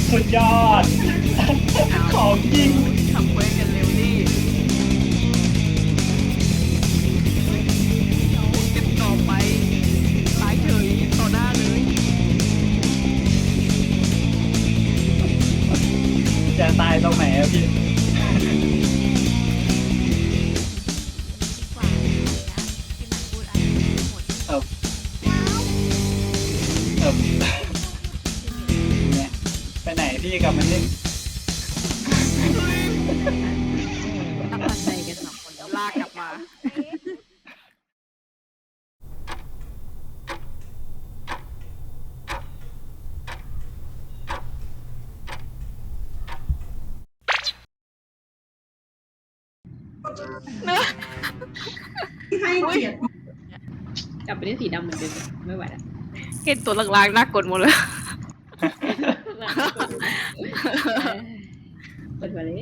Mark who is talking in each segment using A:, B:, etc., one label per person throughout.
A: สุดยอดของจริง
B: ทำเควสกันเร็วดิเก็บต่อไปตายเฉยต่อหน้าเลย
A: จะตายตรงไหนอะพี่เออเนี่ยไปไหนพี่กับมันนี่
B: ตั้งใจกัน2 คนลากกลับมา
C: ให้เกียรติ
D: กลับไปเล่นสีดำเหมือนเดิมไม่ไหวแล้ว
B: เห็นตัวลางๆน่ากดหมดเลย
D: เปิดมาเลย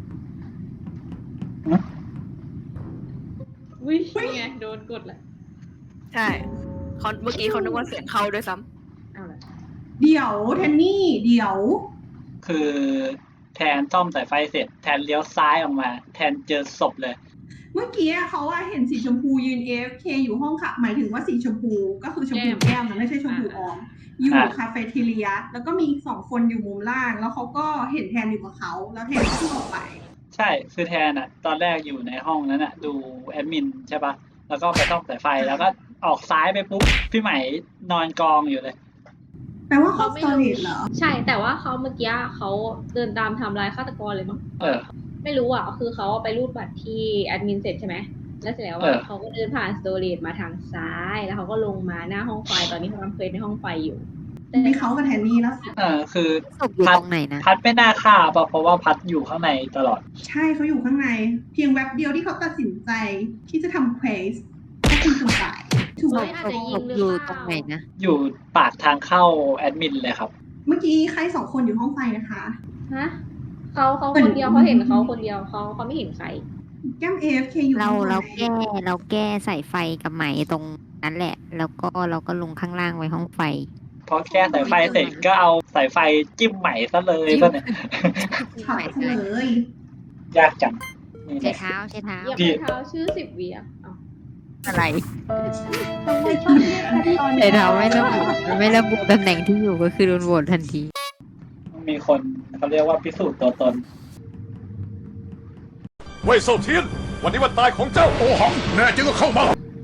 D: อุ้ยนี่ไงโดนกดละ
B: ใช่เขาเมื่อกี้เขานึกว่าเสียงเข้าด้วยซ้ำ
D: เอาละ
C: เดี๋ยวแทนนี่เดี๋ยว
A: คือแทนซ่อมสายไฟเสร็จแทนเลี้ยวซ้ายออกมา แทนเจอศพเลย
C: เมื่อกี้เขาเห็นสีชมพูยืน AFK อยู่ห้องค่ะหมายถึงว่าสีชมพูก็คือชมพูแก้มนะไม่ใช่ชมพูออมอยู่คาเฟ่เทเลียแล้วก็มีอีก2 คนอยู่มุมล่าง แล้วเขาก็เห็นแทนอยู่กับเขาแล้วแทนก็ขึ้นออกไป
A: ใช่คือแทนอะตอนแรกอยู่ในห้องนั้นอะดูแอดมินใช่ปะแล้วก็ไปซ่อมสายไฟแล้วก็ออกซ้ายไปปุ๊บพี่ใหม่นอนกองอยู่เลย
C: แปลว่าเขาสตอรี่เหรอ
D: ใช่แต่ว่าเขาเมื่อกี้เขาเดินตามทำลายฆาตกรเลยมั้ง ไม่รู้อ่ะคือเขาไปรูดบัตรที่แอดมินเสร็จใช่ไหมแล้วเสร็จแล้วเขาก็เดินผ่านสโตรีจมาทางซ้ายแล้วเขาก็ลงมาหน้าห้องไฟตอนนี้เขาทำเควสในห้องไฟอยู่
C: มีเขากับแทนนี่แล้ว
A: คือ
B: ศพอยู่ตรงไหนนะ
A: พัดไม่น่าฆ่าป่ะเพราะว่าพัดอยู่ข้างในตลอด
C: ใช่เขาอยู่ข้างใน เพียงแวบเดียวที่เขาตัดสินใจที่จะทำเควสก็คือคนตายถูกไหม
D: อาจจะยิงหรือ
B: อยู่
D: เป
B: ตรง
D: ล่า
B: ไหนนะ
A: อยู่ปากทางเข้าแอดมินเลยครับ
C: เมื่อกี้ใคร2 คนอยู่ห้องไฟนะคะ
D: ฮะเขาคนเดียวเขาเห็นเขาคนเดียวเขาไม่เห็นใคร
C: แก้ม AFK อยู่
E: เรา
C: ห้องไฟ
E: เราแก้สายไฟกับไหมตรงนั้นแหละ แล้วก็เราก็ลงข้างล่างไว้ห้องไฟ
A: พอแก้สายไฟเสร็จก็เอาสายไฟจิ้มใหม่ซะเลยป่ะเนี่ย
C: ช็อตเลย
A: ยากจังนี่
E: ใช้
A: เนี่ย
E: เท้าใช้เท้า
D: เหยียบ
A: พี่
D: เท้าชื่อ10 วิอ่ะเอา
E: อะไร
D: ทำไมชอบเรียกกันตอน
E: ใช้เท้าไม่ระบุตำแหน่งที่อยู่ก็คือโดนโหวตทันที
A: มีคนเขาเรียกว่าพิสูจน์ตัวตน
F: เว่ยเซาเทียน วันนี้วันตายของเจ้าโอหัง แน่จริงก็เข้ามา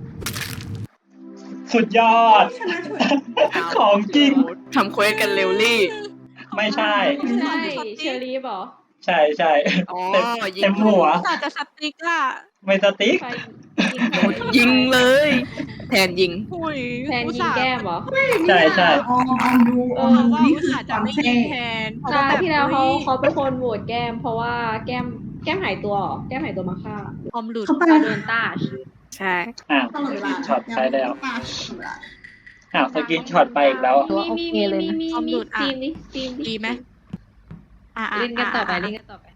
A: สุดยอด
C: ชนะช่วย
A: ของจริง
B: ทำเควสกันเร็วลี่
A: ไม่ใช่
D: ไม่ใช่เชอรี่บอก
A: ใช่ใช่
B: อ๋อ
A: เต็มหัว
B: อาจจะสติ๊กอะ
A: ไม่สติ๊ก
D: ใคร
B: ยิงเลย แทนยิง
D: แทนยิงแก้มเหรอ
A: ใช่ใช่
C: ออมดูนี่คือความเท่
D: ใช่ที่แล้วเขาเป็นคนโหวตแก้ม เพราะว่าแก้มหายตัวเหรอแก้มหายตัวมาฆ่า
B: ออมหลุด
C: เขาไป
D: เขาโดนต้าช
B: ใช่
A: อ้าว
C: ตลอดเวลา
A: ช็อตไปแล้วอ้าวสกินช็อตไปอีกแล้ว
D: มีซีมนี่ซีม
B: ดีไหม
D: เล่นกันต่อไปเล่นกันต่อไป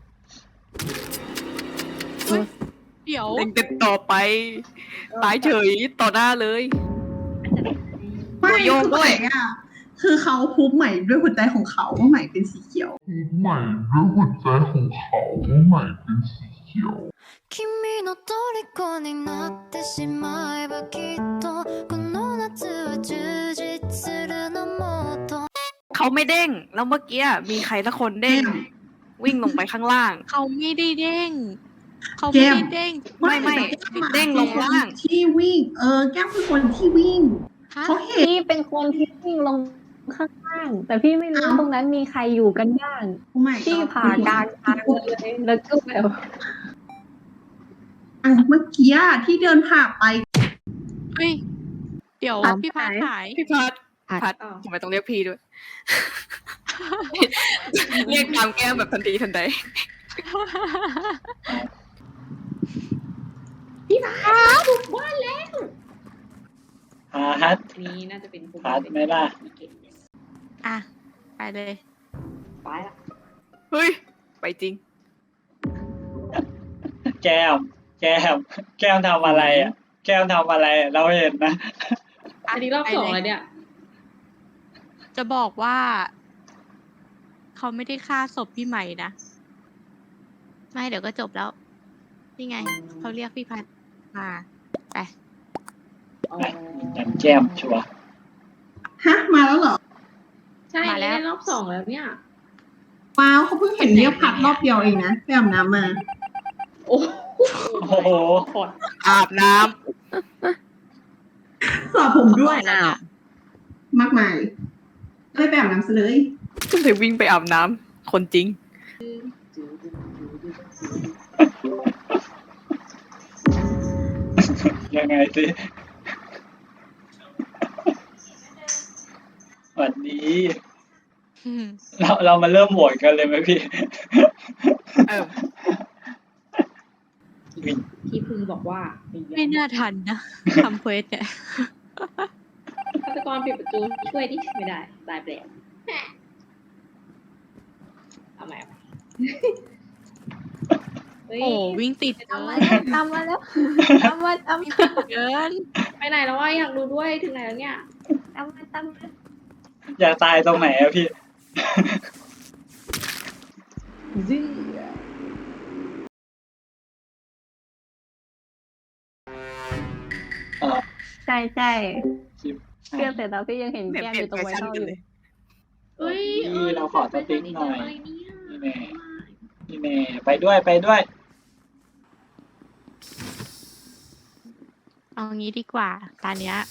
B: เดี๋ยวเล่นกันต่อไป ตายเฉยต่อหน้าเลย
C: ไม่คือใหม่อ่ะคือเขาพูบใหม่ด้วยหัวใจของเขาว่าใหม่เป็นสีเขียว
G: ใหม่ด้วยหัวใจของเขาว่าใหม่เป็นสีเขียว
H: 君の虜になってしまえばきっとこの夏は充実するのもっと
B: เขาไม่เด้ง แล้วเมื่อกี้มีใครสักคนเด้ง วิ่งลงไปข้างล่าง
I: เขาไม่ได้เด้ง เขา
C: แก้
I: ไม่
C: ม
I: ได้เด้ง
B: ไม่เด้งลงล่าง
C: ที่วิ่ง แก้มคือคนที่วิ่ง
I: ฮะ
C: เขาเห็น
J: พี่เป็นคนที่วิ่งลงข้างล่าง แต่พี่ไม่รู้ตรงนั้นมีใครอยู่กันบ้าง
C: โอ้ไม่
J: พี่ผ่ากลางทางเลยแล้วก็แบบ
C: เมื่อกี้ที่เดินผ่านไป
I: เฮ้ย เดี๋ยวพี่พาหาย
B: พี่พัด
E: พัด
B: พัดทำไมต้องเรียกพี่ด้วย เรียกตามแก้มแบบทันทีทันใด
D: พี่พาบุกบ้านแล้ว
A: ฮัท
D: นี่น่าจะเป็น
A: พาร์ทไหมล่ะ
I: อ่ะ ไปเลย
D: ไปละ
B: เฮ้ย ไปจริง
A: แก้มทำอะไรอ่ะ แก้มทำอะไรอะเราเห็นนะ
D: อันนี้รอบ 2แล้วเนี่ย
I: จะบอกว่าเขาไม่ได้ฆ่าศพพี่ใหม่นะไม่เดี๋ยวก็จบแล้วนี่ไงเขาเรียกพี่พัดมาไป
A: อย่างแก้มชัวร์
C: ฮะมาแล้วเหรอ
D: ใช่
I: มาแล้ว
D: นี่รอบ 2แล้วเนี่ย
C: ว้าวเขาเพิ่งเห็นเรียกพัดรอบเดียวเองนะไปอาบน้ำมา
D: โอ้
A: โอ้โห
B: อาบน้
C: สอบผมด้วย
B: ำอ้าว
C: มากมายเลยไปอาบน้ำซะเลย
B: ก็เลยวิ่งไปอาบน้ำคนจริง
A: ยังไงสิวันนี้ เรามาเริ่มโหวตกันเลยไหมพี่
B: เออ
D: พี่พึงบอกว่า
I: ไม่น่าทันนะทำเควสเนี่ย
D: ฆาตกรปิดประตูช่วยดิไม่ได้ตายไปแล้วเอาใหม่เฮ้ย
I: โอ้วิ่งติดเกิน
J: ตามมาแล้วตามมา
I: เกิน
D: ไปไหนแล้ววะอยากดูด้วยถึงไหนแล้วเนี่ย
J: ตามมา
A: อยากตายตรงไหนอะพี่
J: ใช่ใช่
A: ชิป
J: เรื่องเสร็จแล้วพี่ยังเห็นแก้มอยู่ตรงไวท์ท่ออยู่
D: เฮ้ย
A: นี่เราขอสติ๊กหน่อย
D: อะไรเนี่ย
A: นี่แน่นี่แน่ไปด้วยไปด้วย
I: เอางี้ดีกว่าตอนเนี้ย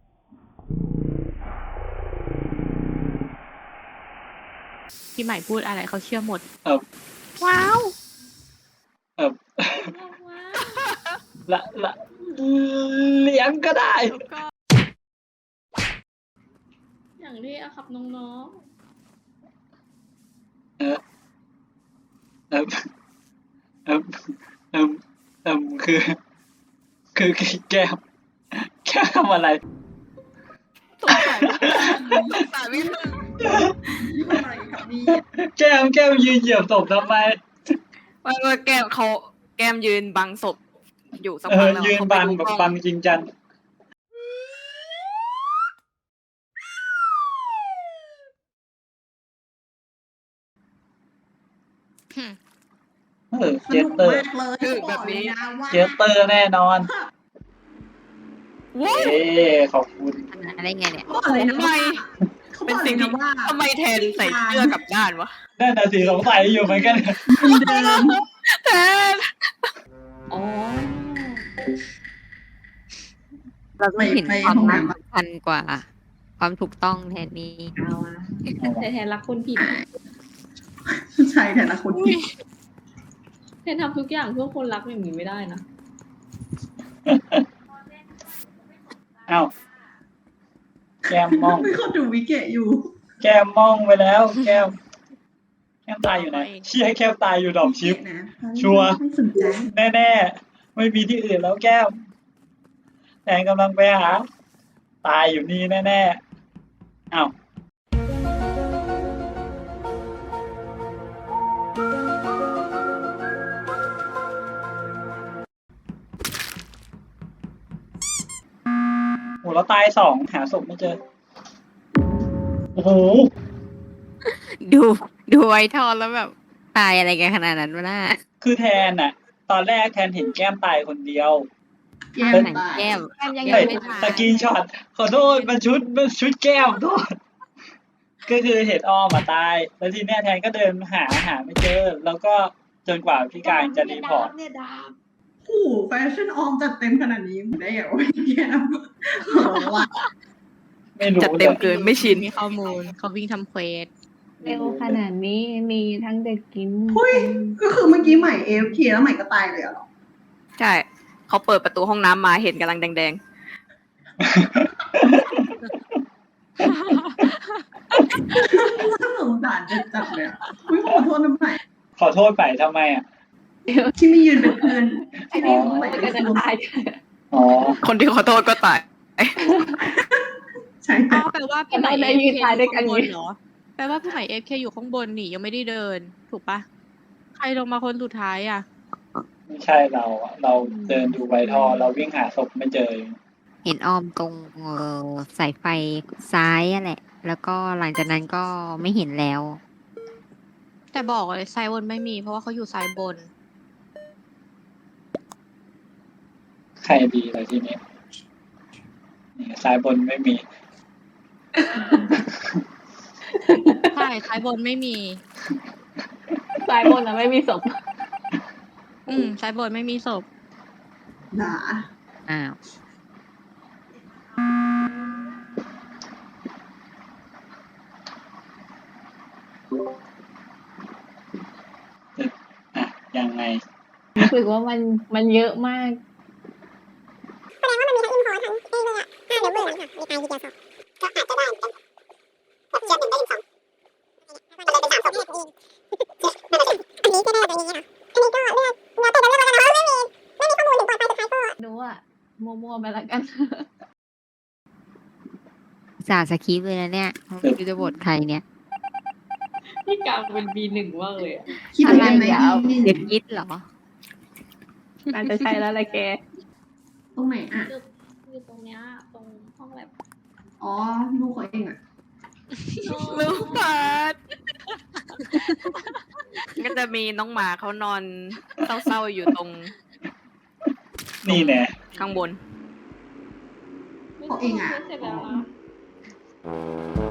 I: พี่ใหม่พูดอะไรเขาเชื่อหมด ว้าว
A: ละเลี้ยงก็ได้
D: อย่างที่อะครับน้อง
A: เออเออเออเออเออคือแก้มทำอะไร
B: สงสัยไม่ถึง
C: อะไรครับนี่
A: แก้มยืนเหยียบศพทำไม
B: ว่าแก้มยืนบังศพอยู่สัก
A: เอ
B: พัก
A: อ
B: แล้ว
A: ยืนบังแบบบังจริงจัง
C: ส
A: เจ
C: นุ
A: ส
C: ก
A: เตอร์
C: มากเลยบอกเลยนะว่า
A: เจสเตอร์แน่นอน
B: ว้าว
A: เอ้ขอบคุณ
E: อะไรไงเนี่ย
C: บอกเลยนะ
B: ทำไม
C: ว่าเขาบ
B: เป็น
C: อกเล
B: สิ่
C: ย
B: ง
C: นะ
B: ที่
C: ว่า
B: ทำไมแทนใส่เสื้อกลับด้านวะ
A: นั่นน่ะสิสงสัยอยู่เหมือนกัน
C: เดิม
B: แทน
D: ๆอ๋อ
E: เราต้องเห็น
C: ไป
E: ความ
C: ห้อง
E: รัก
C: น้ำ
E: สำคัญกว่า ความถูกต้องแทนนี้
D: เอาอะแต่แทนรักคนผิด
C: ใช่แต่ละคนผิด
D: แทนทำทุกอย่างเพื่อคนรักอย่างนี้ไม่ได้นะ
A: เอ้าแก้มมอง
C: ไม่เขาดูวิเกะอยู่
A: แก้มมองไปแล้ว แก้มตายอยู่ไหนเชี่ยแก้มตายอยู่ดอกชิป
C: นะ
A: ชัวร์
C: ไม่สนใจ
A: แน่ๆไม่มีที่อื่นแล้วแก้มแทนกำลังไปหา ตายอยู่นี่แน่ๆอ้าวโหแล้วตาย2หาศพไม่เจอ โอ้โห
E: ดูไว้ทอนแล้วแบบตายอะไรกันขนาดนั้นวะน่า
A: คือแทนน่ะ ตอนแรกแทนเห็นแก้มตายคนเดียว
C: แก้ม
E: ไหน
C: ตาย
E: แก้ม
J: แก้มยัง
A: เฮ้ย
J: ไม่ถ่าย
A: สกรีนช็อตขอโทษมันชุดแก้มโทษก็คือเห็นออมมาตาย แล้วทีเนี้ยแทนก็เดินหาไม่เจอ แล้วก็จนกว่าพี่การจะรีพอร์ต
C: โอ้โหแฟชั่นออมจัดเต็มขนาดนี้ได้เหรอแก้มว่า
A: ไม่รู้
B: จัดเต็มเกินไม่ชิน
I: มีข้อมูลเขาวิ่งทำเควส
J: เร็วขนาดนี้มีทั้งเด็กกิน
C: เฮ้ยก็คือเมื่อกี้ใหม่ AFK แล้วใหม่ก็ตายเลยเหรอ
B: ใช่เขาเปิดประตูห้องน้ำมาเห็นกำลังแดง
C: น่าสงสารจัดเลยอะอุ๊ยขอโทษนะใหม่
A: ขอโทษไปทำไมอ่ะ
C: ที่ไม่ยืนเป็นเพื่อนที่นี่ใหม่
D: ก็
C: เป็น
D: จะ
C: รวม
D: ตาย
A: อ๋อ
B: ๆ คนที่ขอโทษก็ตาย
C: ใช่
I: อ๋อแปลว่าพี่ใหม่
J: ได้ยืนตายด้วยกัน
I: อยู่ข้างบนเหรอแปลว่าพี่ใหม่เอฟเคอยู่ข้างบนนี่ยังไม่ได้เดิน ถูกปะใครลงมาคนสุดท้ายอ่ะ
A: ไม่ใช่เราอะเราเดินดูไวท่อ เราวิ่งหาศพไม่เจอ
E: เห็นออมตรงสายไฟซ้ายอะแหละ แล้วก็หลังจากนั้นก็ไม่เห็นแล้ว
I: แต่บอกเลยซ้ายบนไม่มี เพราะว่าเขาอยู่ซ้ายบน
A: ใครดีเลยทีนี้นี่ซ้ายบนไม่มี
I: ใช่ซ้ายบนไม่มี
J: ซ้ายบนนะไม่มีศพ
I: ซ้ายบนไม่มีศพ
C: ด่า
E: อ้าว
A: อ่ะยังไง
J: รู้สึกว่ามันเยอะมาก
H: แสดงว่ามันมีทั้งอินพอร์ตทั้งไอ้เลยอะเดี๋ยวเบื่อค่ะมีตายทีเดียวสองก็อาจจะได้เป็นแบบเชียร์หนึ่งได้ถึงสองมันเลยเป็น3 ศพนี่อันนี้ก็ได้แบบนี้นะอันนี้ก็เลือกแต่จะเลือกแล้วกันเพราะไม่มีข้อมูลถึงปลอดภัยสุดท้ายก็
J: ดูอะมั่วๆไปละกัน
E: สาสคริปต์เลยนะเนี่ยไม่รู้จะบทใครเนี่ย
D: พี่กลางเป็น B1 มากเลยอะ
C: คิดเหมือนกันไหม
J: อะไร
C: นี่
E: เด็กยิดเหรอ
J: น่าจะใช่แล้วแหละแก
C: ตรงไหนอ่ะ
D: อยู่ตรงเนี้ยตรงห้องแลบ
C: อ๋อลูกเขาเองอ่ะ
B: ลูกเปิด ก็จะมีน้องหมาเขานอนเศร้าๆอยู่ตรง
A: นี่แน่
B: ข้างบน
C: เขาเองอ่ะ
D: เสร็จแล้วนะ